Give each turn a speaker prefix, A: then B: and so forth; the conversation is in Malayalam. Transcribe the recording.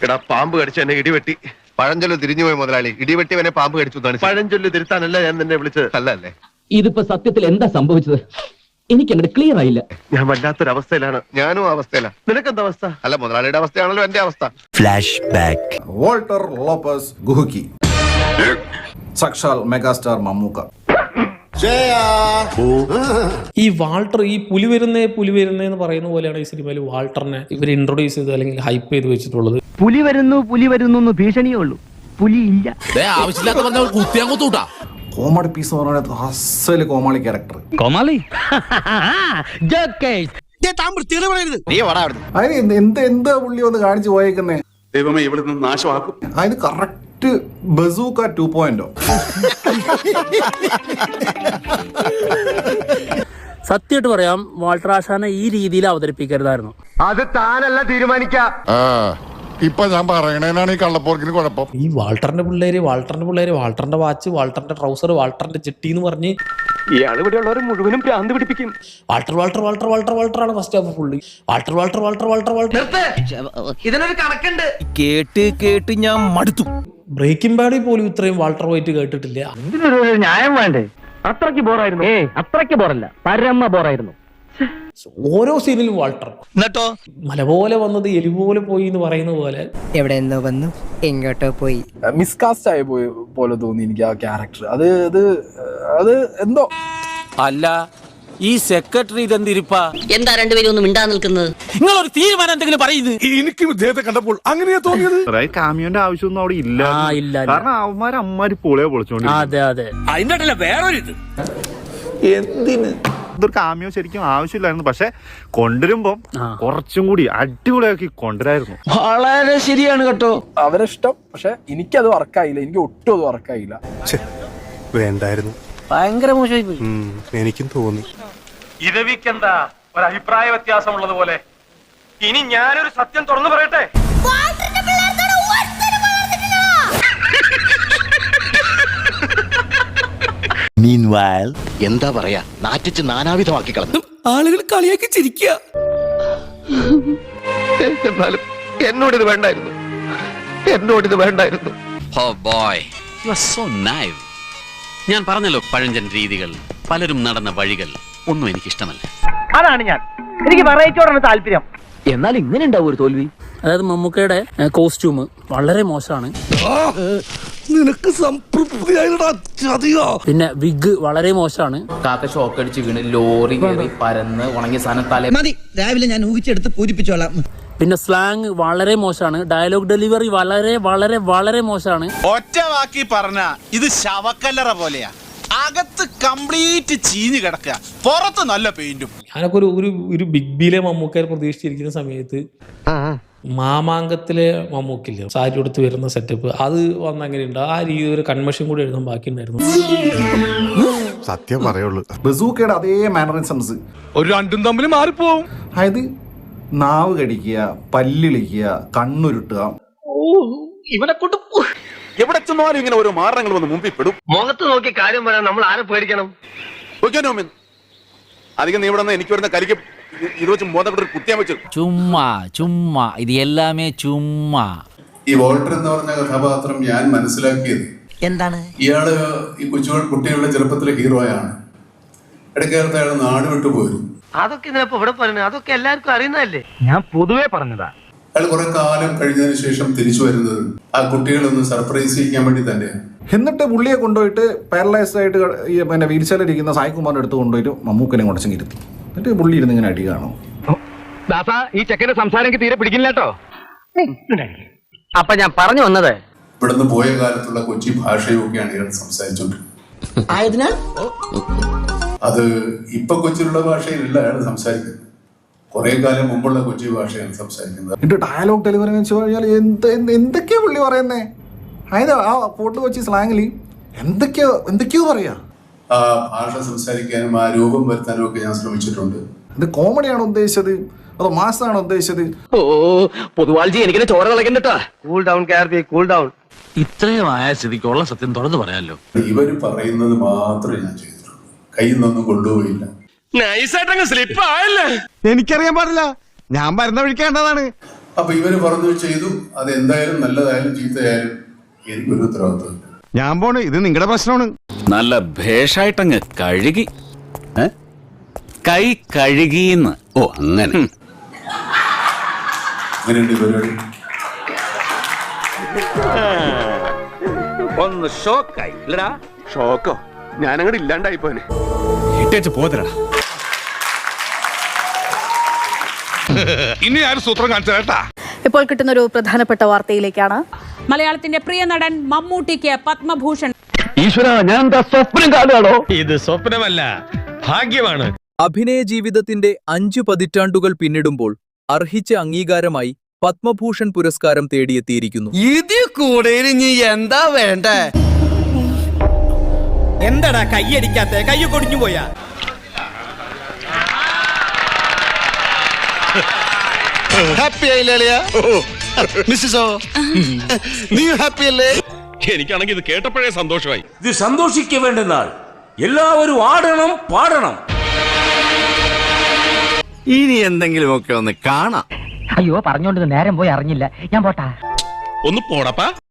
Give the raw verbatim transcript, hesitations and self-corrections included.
A: എടാ പാമ്പ് കടിച്ച എന്നെ ഇടിവെട്ടി.
B: പഴഞ്ചൊല്ല് തിരിഞ്ഞുപോയി മുതലാളി. ഇടിവെട്ടിവനെ പാമ്പ് കടിച്ചു.
A: പഴഞ്ചൊല്ല് തിരുത്താനല്ല ഞാൻ നിന്നെ വിളിച്ചത്.
B: അല്ല അല്ലേ?
C: ഇതിപ്പോ സത്യത്തിൽ എന്താ സംഭവിച്ചത്? എനിക്ക് അങ്ങോട്ട് ക്ലിയർ ആയില്ല.
A: ഞാൻ വല്ലാത്തൊരവസ്ഥയിലാണ്.
B: ഞാനും അവസ്ഥയില.
A: നിനക്കെന്താ അവസ്ഥ?
B: അല്ല, മുതലാളിയുടെ അവസ്ഥയാണല്ലോ എന്റെ അവസ്ഥ.
D: Flash back.
E: വോൾട്ടർ ലോപ്പസ് ഗുഹുക്കി, സാക്ഷാൽ മെഗാസ്റ്റാർ മമ്മൂക്ക.
F: ഈ വാൾട്ടർ, ഈ പുലി വരുന്നേ പുലി വരുന്നേ എന്ന് പറയുന്ന പോലെയാണ് ഈ സിനിമയിൽ വാൾട്ടറിനെ ഇവർ ഇൻട്രൊഡ്യൂസ് ചെയ്ത് അല്ലെങ്കിൽ ഹൈപ്പ് ചെയ്ത് വെച്ചിട്ടുള്ളത്.
C: പുലി വരുന്നു പുലി വരുന്നു എന്ന് ഭീഷണിയേ ഉള്ളൂ, പുലി ഇല്ല.
E: കോമഡി പീസ് പറഞ്ഞത് അസല് കോമാളി ക്യാരക്ടർ.
C: കോമാളി
E: അതിന് എന്ത് എന്താ പുള്ളി ഒന്ന് കാണിച്ചു പോയേക്കുന്നേ?
G: ദൈവമേ, ഇവിടുന്ന് നാശമാക്കും.
E: അതിന് കറക്റ്റ് ബസൂക്ക ടു പോയിന്റോ.
H: സത്യമായിട്ട് പറയാം, വാൾട്ടർ ആശാനെ ഈ രീതിയിൽ അവതരിപ്പിക്കരുതായിരുന്നു.
B: അത് താനല്ല തീരുമാനിക്കാം.
I: ഇപ്പൊ ഞാൻ പറയണേനാണ് ഈ കള്ളപ്പോർക്കിന് കുഴപ്പം.
F: ഈ വാൾട്ടറിന്റെ പിള്ളേര് വാൾട്ടറിന്റെ പിള്ളേര് വാൾട്ടറിന്റെ വാച്ച്, വാൾട്ടറിന്റെ ട്രൗസർ, വാൾട്ടറിന്റെ ചെട്ടി എന്ന് പറഞ്ഞ്
A: ഇയാൾ ഇവിടെ ഉള്ളവരെ മുഴുവനും ഭ്രാന്ത് പിടിപ്പിക്കും.
F: Walter Walter Walter Walter Walter ആണ് first half fully. Walter Walter Walter Walter Walter
C: ഇതിനൊരു കണക്കുണ്ട്.
D: കേട്ട് കേട്ട് ഞാൻ മടുത്തു.
F: ബ്രേക്കിംഗ് ബാഡിൽ പോലും ഇത്രയും വാൾട്ടർ വൈറ്റ് കേട്ടിട്ടില്ല.
C: ഇതിനൊരു ന്യായം വേണ്ടേ? അത്രയ്ക്ക് ബോറായിരുന്നു. ഏ അത്രയ്ക്ക് ബോറല്ല, പരമ ബോറായിരുന്നു.
F: ഓരോ സീനിലും വാൾട്ടർ
D: എന്നിട്ടോ
F: മല പോലെ വന്നത് എലി പോലെ പോയി എന്ന് പറയുന്ന പോലെ
J: എവിടെ എന്തോ വന്നു എങ്ങോട്ടോ പോയി.
K: മിസ്കാസ്റ്റ് ആയി പോയി പോലെ തോന്നി എനിക്ക് ആ ക്യാരക്ടർ. അത് അത് അത് എന്തോ
D: അല്ല. ഈ സെക്രട്ടറി ഇതെന്തിരിപ്പാ?
J: എന്താ രണ്ടുപേരും ഒന്നും മിണ്ടാ നിൽക്കുന്നത്?
D: നിങ്ങളൊരു തീരുമാനം എന്തെങ്കിലും പറയുന്നത്?
I: എനിക്ക് ഇദ്ദേഹത്തെ കണ്ടപ്പോൾ അങ്ങനെയാ തോന്നിയത്.
B: കാമിയോന്റെ ആവശ്യമൊന്നും അവിടെ ഇല്ല.
H: ഇല്ല
B: കാരണം അവന്മാര് അമ്മമാര് പൊളിയെ പൊളിച്ചോണ്ട്.
H: അതെ അതെ.
D: അതിന്റെ വേറൊരു ഇത്
B: എന്തിന് ഇതൊരു കാമിയോ ശരിക്കും ആവശ്യമില്ലായിരുന്നു. പക്ഷെ കൊണ്ടുവരുമ്പോ കുറച്ചും കൂടി അടിപൊളിയാക്കി കൊണ്ടുവരായിരുന്നു.
H: വളരെ ശരിയാണ് കേട്ടോ.
K: അവരെ ഇഷ്ടം. പക്ഷെ എനിക്കത് വർക്കായില്ല. എനിക്ക് ഒട്ടും അത് വർക്കായില്ല.
I: വേണ്ടായിരുന്നു.
H: ഭയങ്കര മോശമായി പോയി.
I: എനിക്കും തോന്നി.
A: ഇരവിക്കെന്താ ഒരു അഭിപ്രായ വ്യത്യാസമുള്ളത് പോലെ. ഇനി ഞാനൊരു സത്യം തുറന്നു പറയട്ടെ.
D: Meanwhile,
B: എന്താ പറയാ, നാറ്റിച്ച് നാനാവിധമാക്കി കളഞ്ഞു.
D: ആളുകൾ കളിയാക്കി ചിരിക്കുക.
B: എന്നാലും എന്നോടിത് വേണ്ടായിരുന്നു. എന്നോടിത് വേണ്ടായിരുന്നു.
L: Oh boy, you are so naive. ഞാൻ പറഞ്ഞല്ലോ, പഴഞ്ചൻ രീതികൾ, പലരും നടന്ന വഴികൾ ഒന്നും എനിക്കിഷ്ടമല്ല.
C: അതാണ് ഞാൻ. എനിക്ക് വെറൈറ്റിയോടാണ് താല്പര്യം. എന്നാൽ ഇങ്ങനെ ഉണ്ടാവും ഒരു തോൽവി.
H: അതായത് മമ്മൂക്കയുടെ കോസ്റ്റ്യൂം വളരെ മോശമാണ്.
I: നിനക്ക് സംതൃപ്തിയായിട്ടാ.
H: പിന്നെ വിഗ് വളരെ മോശമാണ്.
K: കാക്ക ഷോക്ക് അടിച്ച് വീണ് ലോറി കയറി പരന്ന് ഉണങ്ങിയ സാധനം തല
J: മതി, രാവിലെ ഞാൻ ഊഹിച്ചെടുത്ത് പൂരിപ്പിച്ചോളാം.
H: പിന്നെ സ്ലാങ് വളരെ മോശമാണ്. ഡയലോഗ് ഡെലിവറി വളരെ വളരെ വളരെ മോശമാണ്.
G: ഒറ്റ വാക്കി പറഞ്ഞ ഇത് ശവക്കല്ലറ പോലെയാ. അകത്ത് കംപ്ലീറ്റ് ചീഞ്ഞു കിടക്കുക, പുറത്ത് നല്ല പെയിന്റും.
F: ഞാനൊക്കെ ഒരു ഒരു ഒരു ബിഗ് ബിയിലെ മമ്മൂക്കയെ പ്രതീക്ഷിച്ചിരിക്കുന്ന സമയത്ത് മാമാങ്കത്തിലെ മമ്മൂക്കില്ല സാരി എടുത്ത് വരുന്ന സെറ്റപ്പ് അത് വന്ന അങ്ങനെയുണ്ട്. ആ രീതി ഒരു കൺവെൻഷൻ കൂടി എഴുതാൻ ബാക്കിയുണ്ടായിരുന്നു.
I: സത്യം പറയുള്ളൂ.
E: ബസൂക്കയുടെ അതേ മാനറിസംസ്
I: ഒരു രണ്ടും തമ്മിൽ മാറിപ്പോവും.
E: അതായത് നാവ് കടിക്കുക, പല്ലിളിക്കുക, കണ്ണുരുട്ടുക.
A: ഇവനെ കൊണ്ട്
G: എവിടെ ചെന്നാലും ഇങ്ങനെ ഓരോ മാരണങ്ങൾ വന്ന് മുമ്പിൽ പെടും.
A: മുഖത്ത് നോക്കി കാര്യം പറയാൻ നമ്മൾ ആരെ പേടിക്കണം?
G: അധികം നീ ഇവിടെ എനിക്ക് വരുന്ന കരിക്ക് ഇത് വെച്ച് മോദപ്പെട്ടൊരു കുത്തിയാൻ വെച്ചു.
D: ചുമ്മാ ചുമ്മാ ഇത് എല്ലാമേ ചുമ്മാ.
G: ഈ വോൾട്ടർ എന്ന് പറഞ്ഞ കഥാപാത്രം ഞാൻ മനസ്സിലാക്കിയത്
J: എന്താണ്,
G: ഇയാള് ഈ കൊച്ചു കുട്ടികളുടെ ചെറുപ്പത്തിലെ ഹീറോയാണ്. ഇടയ്ക്കാലത്ത് അയാൾ നാട് വിട്ടു പോയിരുന്നു.
C: അതൊക്കെ ഇതിനപ്പോ ഇവിടെ പറഞ്ഞു, അതൊക്കെ എല്ലാവർക്കും അറിയുന്നതല്ലേ. ഞാൻ പൊതുവേ പറഞ്ഞതാ.
G: അയാൾ കുറെ കാലം കഴിഞ്ഞതിന് ശേഷം തിരിച്ചു വരുന്നത് ആ കുട്ടികളൊന്ന് സർപ്രൈസ് ചെയ്യാൻ വേണ്ടി തന്നെയാണ്.
E: എന്നിട്ട് പുള്ളിയെ കൊണ്ടുപോയിട്ട് പാരലൈസ്ഡ് ആയിട്ട് ഈ പിന്നെ വീൽ ചെയറിലിരിക്കുന്ന സായികുമാറിന്റെ അടുത്ത് കൊണ്ടുപോയിട്ട് മമ്മൂക്കനെ കൊണ്ടച്ചെങ്കിൽ ഇരുത്തി. എന്നിട്ട് പുള്ളി ഇരുന്ന് ഇങ്ങനെ അടി കാണും.
C: ദാസാ, ഈ ചെക്കന്റെ സംസാരം എനിക്ക് തീരെ പിടിക്കില്ല കേട്ടോ. അപ്പൊ ഞാൻ പറഞ്ഞു വന്നത്,
G: ഇവിടുന്ന് പോയ കാലത്തുള്ള കൊച്ചി ഭാഷയും ഒക്കെയാണ് ഇയാൾ സംസാരിച്ചോണ്ടിരുന്നത്. അത് ഇപ്പൊ കൊച്ചിയിലുള്ള ഭാഷയിലല്ല അയാൾ സംസാരിക്കുന്നത്. കുറെ കാലം മുമ്പുള്ള കൊച്ചി ഭാഷയാണ് സംസാരിക്കുന്നത്.
E: എന്നിട്ട് ഡയലോഗ് ഡെലിവറി എന്ന് വെച്ച് കഴിഞ്ഞാൽ എന്ത് എന്തൊക്കെയാ പുള്ളി പറയുന്നേ? അതായത് ആ ഫോർട്ട് കൊച്ചി സ്ലാങ്ങിൽ എന്തൊക്കെയോ എന്തൊക്കെയോ പറയാ.
G: ആ ഭാഷ സംസാരിക്കാനും ആ രൂപം വരുത്താനും ഒക്കെ ഞാൻ ശ്രമിച്ചിട്ടുണ്ട്.
E: ഇത് കോമഡിയാണോ ഉദ്ദേശിച്ചത് അതോ മാസാണോ ഉദ്ദേശിച്ചത്?
C: ഓ പൊതുവാൾജി എനിക്കിനെ ചോര കളക്കണ്ടട്ടാ. കൂൾ ഡൗൺ കാർബി, കൂൾ ഡൗൺ.
L: ഇത്രയും ആയ സ്ഥിതിക്കുള്ള സത്യം തുറന്നു പറയാമല്ലോ.
G: ഇവര് പറയുന്നത് മാത്രമേ ഞാൻ ചെയ്തിട്ടുള്ളൂ, കയ്യിൽ നിന്നൊന്നും കൊണ്ടുപോയില്ല.
I: എനിക്കറിയാൻ പാടില്ല, ഞാൻ വരുന്ന വഴിക്കേണ്ടതാണ്. അപ്പൊ ഇവര് പറഞ്ഞു ചെയ്തു. അത് എന്തായാലും നല്ലതായാലും ചീത്തയായാലും എനിക്കൊരു ഉത്തരവാദിത്വം.
C: ഞാൻ പോണ്, ഇത് നിങ്ങളുടെ പ്രശ്നമാണ്.
L: നല്ല ഭേഷായിട്ടങ്ങ് കഴുകി ഏ? കൈ കഴുകിന്ന്. ഓ അങ്ങനെ.
I: അങ്ങനെയുണ്ട് ഈ പരിപാടി.
C: ഒന്ന് ഷോക്കായി ഇല്ലടാ. ഷോക്കോ? ഞാനങ്ങോട്ട് ഇല്ലാണ്ടായി പോനെ. ഇട്ടേച്ച് പോതരാ. ഇനി ആരും സൂത്രം കാണിച്ചാ.
M: ഇപ്പോൾ കിട്ടുന്ന ഒരു പ്രധാനപ്പെട്ട വാർത്തയിലേക്കാണ്.
H: മലയാളത്തിന്റെ പ്രിയ നടൻ മമ്മൂട്ടിക്ക് പത്മഭൂഷൺ.
C: ഈശ്വര, ഞാൻ എന്താ സ്വപ്നം കാണുകയാണോ?
A: ഇത് സ്വപ്നമല്ല, ഭാഗ്യമാണ്.
K: അഭിനയ ജീവിതത്തിന്റെ അഞ്ചു പതിറ്റാണ്ടുകൾ പിന്നിടുമ്പോൾ അർഹിച്ച അംഗീകാരമായി പത്മഭൂഷൺ പുരസ്കാരം തേടിയെത്തിയിരിക്കുന്നു.
G: ഇത് കൂടെ ഇനി എന്താ വേണ്ടേ? എന്താടാ കൈയടിക്കാത്ത? കൈ കൊടിഞ്ഞു പോയാ? ഹാപ്പി ആയില്ലേ മിസ്സോ? നീ ഹാപ്പി അല്ലേ?
A: എനിക്കാണെങ്കിൽ ഇത് കേട്ടപ്പോഴേ സന്തോഷമായി.
C: ഇത് സന്തോഷിക്ക വേണ്ടുന്നാൾ എല്ലാവരും ആടണം പാടണം.
G: ഇനി എന്തെങ്കിലുമൊക്കെ ഒന്ന് കാണാം.
J: അയ്യോ പറഞ്ഞോണ്ട് നേരം പോയി അറിഞ്ഞില്ല. ഞാൻ പോട്ടാ.
A: ഒന്ന് പോടപ്പാ.